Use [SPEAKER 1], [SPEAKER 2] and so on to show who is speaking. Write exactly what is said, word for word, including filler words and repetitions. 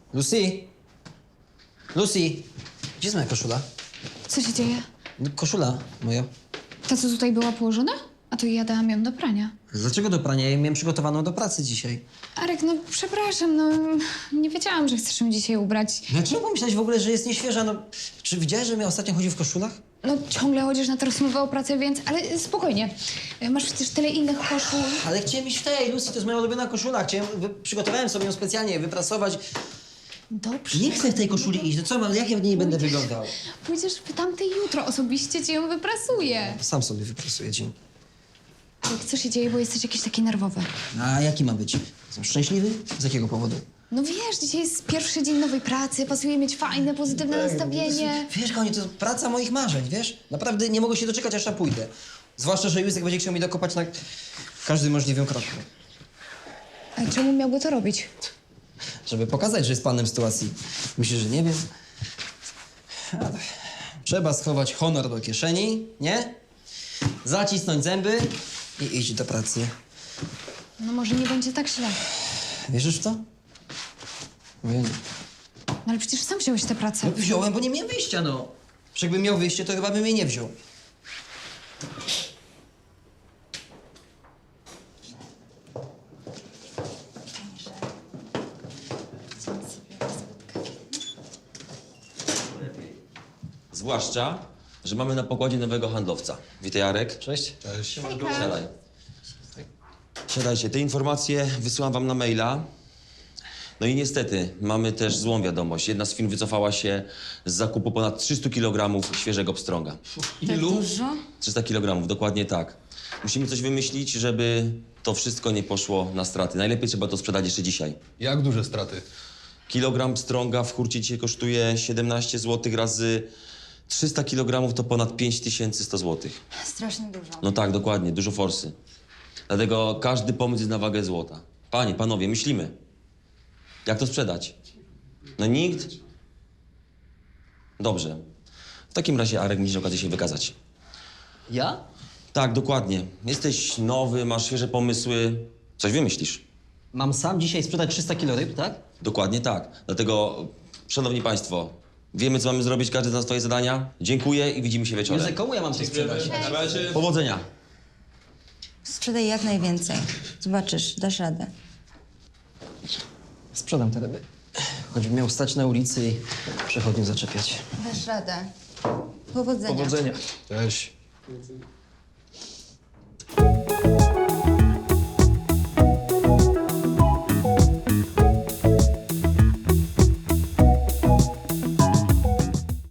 [SPEAKER 1] Lucy? Lucy? Gdzie jest moja koszula?
[SPEAKER 2] Co się dzieje?
[SPEAKER 1] No, koszula moja.
[SPEAKER 2] Ta, co tutaj była położona? A to ja dałam ją do prania.
[SPEAKER 1] Dlaczego do prania? Ja ją miałem przygotowaną do pracy dzisiaj.
[SPEAKER 2] Arek, no przepraszam, no nie wiedziałam, że chcesz ją dzisiaj ubrać.
[SPEAKER 1] Dlaczego pomyślałeś w ogóle, że jest nieświeża? No, czy widziałeś, że mnie ostatnio chodził w koszulach?
[SPEAKER 2] No ciągle chodzisz na tę rozmowę o pracy, więc... Ale spokojnie. Masz przecież tyle innych koszul.
[SPEAKER 1] Ale chciałem iść w tej, Lucy, to jest moja ulubiona koszula. Chciałem, wy, przygotowałem sobie ją specjalnie, wyprasować.
[SPEAKER 2] Dobrze.
[SPEAKER 1] Nie chcę w tej koszuli iść. No co mam, jak ja w niej będę wyglądał?
[SPEAKER 2] Pójdziesz w tamtej jutro, osobiście ci ją wyprasuję.
[SPEAKER 1] Sam sobie wyprasuję dzień.
[SPEAKER 2] Arek, co się dzieje, bo jesteś jakiś taki nerwowy?
[SPEAKER 1] A jaki ma być? Jestem szczęśliwy? Z jakiego powodu?
[SPEAKER 2] No wiesz, dzisiaj jest pierwszy dzień nowej pracy, pasuje mieć fajne, pozytywne nastawienie.
[SPEAKER 1] Wiesz, kochanie, to praca moich marzeń, wiesz? Naprawdę nie mogę się doczekać, aż tam pójdę. Zwłaszcza, że Józek będzie chciał mi dokopać na każdym możliwym kroku.
[SPEAKER 2] A czemu miałby to robić?
[SPEAKER 1] Żeby pokazać, że jest panem sytuacji. Myślisz, że nie wiem? Ale trzeba schować honor do kieszeni, nie? Zacisnąć zęby i iść do pracy.
[SPEAKER 2] No może nie będzie tak źle.
[SPEAKER 1] Wierzysz w to? No ja nie.
[SPEAKER 2] No ale przecież sam wziąłeś tę pracę.
[SPEAKER 1] No wziąłem, bo nie miałem wyjścia, no. Że jakbym miał wyjście, to chyba bym jej nie wziął.
[SPEAKER 3] Zwłaszcza, że mamy na pokładzie nowego handlowca. Witaj, Jarek.
[SPEAKER 1] Cześć.
[SPEAKER 3] Siadaj. Siadajcie. Te informacje wysyłam wam na maila. No i niestety, mamy też złą wiadomość. Jedna z firm wycofała się z zakupu ponad trzystu kilogramów świeżego pstrąga.
[SPEAKER 4] Ilu?
[SPEAKER 3] trzysta kilogramów, dokładnie tak. Musimy coś wymyślić, żeby to wszystko nie poszło na straty. Najlepiej trzeba to sprzedać jeszcze dzisiaj.
[SPEAKER 4] Jak duże straty?
[SPEAKER 3] Kilogram pstrąga w hurcie dzisiaj kosztuje siedemnaście złotych razy trzysta kilogramów to ponad pięć tysięcy sto złotych.
[SPEAKER 5] Strasznie dużo.
[SPEAKER 3] No tak, dokładnie, dużo forsy. Dlatego każdy pomysł jest na wagę złota. Panie, panowie, myślimy. Jak to sprzedać? No nikt? Dobrze. W takim razie, Arek, musisz okazję się wykazać.
[SPEAKER 1] Ja?
[SPEAKER 3] Tak, dokładnie. Jesteś nowy, masz świeże pomysły. Coś wymyślisz.
[SPEAKER 1] Mam sam dzisiaj sprzedać trzysta kilo ryb, tak?
[SPEAKER 3] Dokładnie tak. Dlatego, szanowni państwo, wiemy, co mamy zrobić, każdy zna swoje zadania. Dziękuję i widzimy się wieczorem.
[SPEAKER 1] Józek, komu ja mam to sprzedać?
[SPEAKER 3] Powodzenia.
[SPEAKER 5] Sprzedaj jak najwięcej. Zobaczysz, dasz radę.
[SPEAKER 1] Sprzedam te ryby. Choćbym miał stać na ulicy i przechodniów zaczepiać.
[SPEAKER 5] Dasz radę. Powodzenia.
[SPEAKER 4] Cześć.